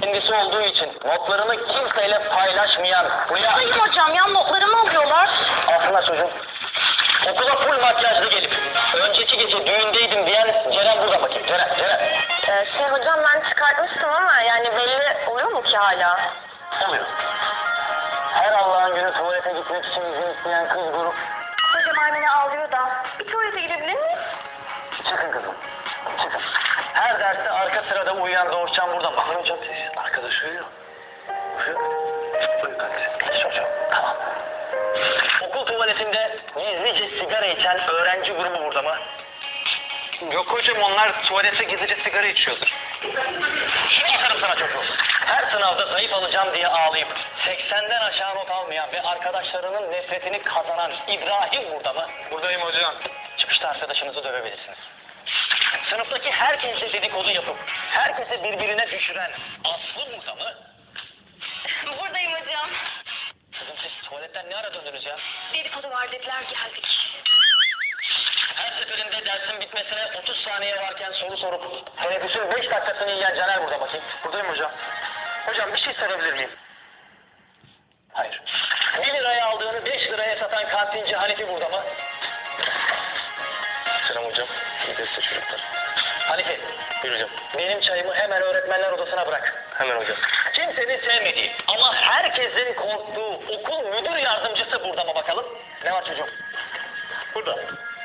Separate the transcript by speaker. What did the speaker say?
Speaker 1: kendisi olduğu için notlarını kimseyle paylaşmayan Hulya...
Speaker 2: Sayın hocam ya notlarımı alıyorlar.
Speaker 1: Aslında çocuğum, okula full makyajlı gelip önceki gece düğündeydim diyen Ceren burada bakayım. Ceren.
Speaker 2: Hocam ben çıkartmıştım ama yani belli oluyor mu ki hala?
Speaker 1: Oluyor. Her Allah'ın günü tuvalete gitmek için izin isteyen kız grup.
Speaker 2: Hocam Aymine ağlıyor da. Bir tuvalete gidebilir miyiz?
Speaker 1: Çıkın kızım. Çıkın. Her derste arka sırada uyuyan Doğuşcan burada. Bakın hocam siz. Arkadaş uyuyor. Uyuyor kardeşim. Geç hocam. Tamam. Okul tuvaletinde gizlice sigara içen öğrenci grubu burada mı? Yok hocam, onlar tuvalete gizlice sigara içiyordur. Şunu atarım sana çocuğum. Her sınavda zayıf alacağım diye ağlayıp 80'den aşağı not almayan ve arkadaşlarının nefretini kazanan İbrahim burada mı? Buradayım hocam. Çıkışta arkadaşınızı dövebilirsiniz. Sınıftaki herkesle dedikodu yapıp herkesi birbirine düşüren Aslı burada mı?
Speaker 2: Buradayım hocam.
Speaker 1: Kızım siz tuvaletten ne ara döndünüz ya?
Speaker 2: Dedikodu var dediler geldik.
Speaker 1: Her seferinde dersin bitmesine 30 saniye varken soru sorup teneffüsün 5 dakikasını yiyen Caner burada bakayım. Buradayım hocam. Hocam bir şey sorabilir miyim? Hayır. 1 liraya aldığını 5 liraya satan kantinci Hanifi burada mı? Selam hocam. İyi derste çocuklar. Hanifi. Buyur hocam. Benim çayımı hemen öğretmenler odasına bırak. Hemen hocam. Kimsenin sevmediği ama herkesin korktuğu okul müdür yardımcısı burada mı bakalım? Ne var çocuğum? Burada.